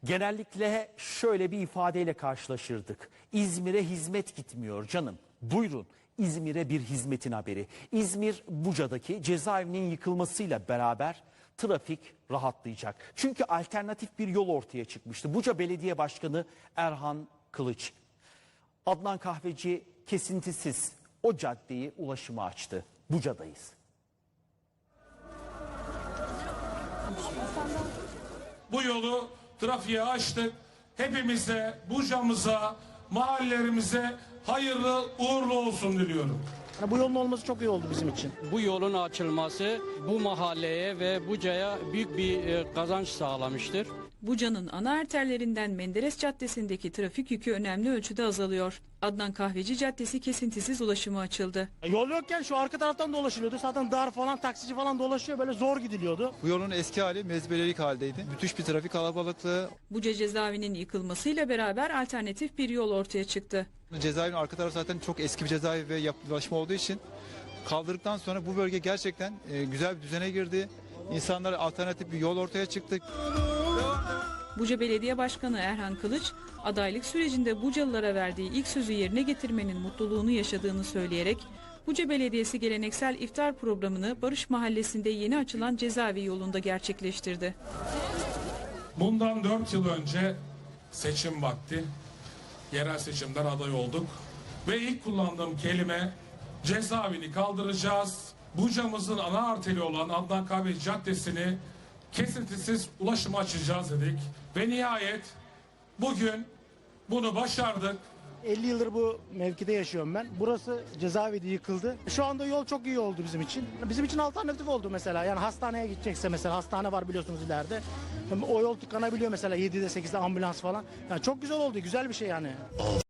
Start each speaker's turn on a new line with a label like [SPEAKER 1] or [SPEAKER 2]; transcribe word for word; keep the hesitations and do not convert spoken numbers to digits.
[SPEAKER 1] Genellikle şöyle bir ifadeyle karşılaşırdık. İzmir'e hizmet gitmiyor canım. Buyurun, İzmir'e bir hizmetin haberi. İzmir Buca'daki cezaevinin yıkılmasıyla beraber trafik rahatlayacak. Çünkü alternatif bir yol ortaya çıkmıştı. Buca Belediye Başkanı Erhan Kılıç, Adnan Kahveci kesintisiz o caddeyi ulaşıma açtı. Buca'dayız.
[SPEAKER 2] Bu yolu trafiğe açtık. Hepimize, Buca'mıza, mahallelerimize hayırlı uğurlu olsun diliyorum.
[SPEAKER 3] Bu yolun olması çok iyi oldu bizim için.
[SPEAKER 4] Bu yolun açılması bu mahalleye ve Buca'ya büyük bir e, kazanç sağlamıştır.
[SPEAKER 5] Buca'nın ana arterlerinden Menderes Caddesi'ndeki trafik yükü önemli ölçüde azalıyor. Adnan Kahveci Caddesi kesintisiz ulaşıma açıldı.
[SPEAKER 3] Yol yokken şu arka taraftan dolaşılıyordu. Zaten dar falan, taksici falan dolaşıyor. Böyle zor gidiliyordu.
[SPEAKER 6] Bu yolun eski hali mezbelelik haldeydi. Müthiş bir trafik kalabalıklığı.
[SPEAKER 5] Buca cezaevinin yıkılmasıyla beraber alternatif bir yol ortaya çıktı.
[SPEAKER 6] Cezaevinin arka tarafı zaten çok eski bir cezaevi ve yapılaşma olduğu için kaldırdıktan sonra bu bölge gerçekten e, güzel bir düzene girdi. İnsanlar alternatif bir yol ortaya çıktı.
[SPEAKER 5] Buca Belediye Başkanı Erhan Kılıç, adaylık sürecinde Bucalılara verdiği ilk sözü yerine getirmenin mutluluğunu yaşadığını söyleyerek, Buca Belediyesi geleneksel iftar programını Barış Mahallesi'nde yeni açılan cezaevi yolunda gerçekleştirdi.
[SPEAKER 2] Bundan dört yıl önce seçim vakti, yerel seçimden aday olduk. Ve ilk kullandığım kelime cezaevini kaldıracağız. Buca'mızın ana arteri olan Adnan Kahveci Caddesi'ni kesintisiz ulaşıma açacağız dedik. Ve nihayet bugün bunu başardık.
[SPEAKER 3] elli yıldır bu mevkide yaşıyorum ben. Burası cezaevi yıkıldı. Şu anda yol çok iyi oldu bizim için. Bizim için alternatif oldu mesela. Yani hastaneye gidecekse mesela, hastane var biliyorsunuz ileride. O yol tıkanabiliyor mesela yedide sekizde ambulans falan. Yani çok güzel oldu. Güzel bir şey yani.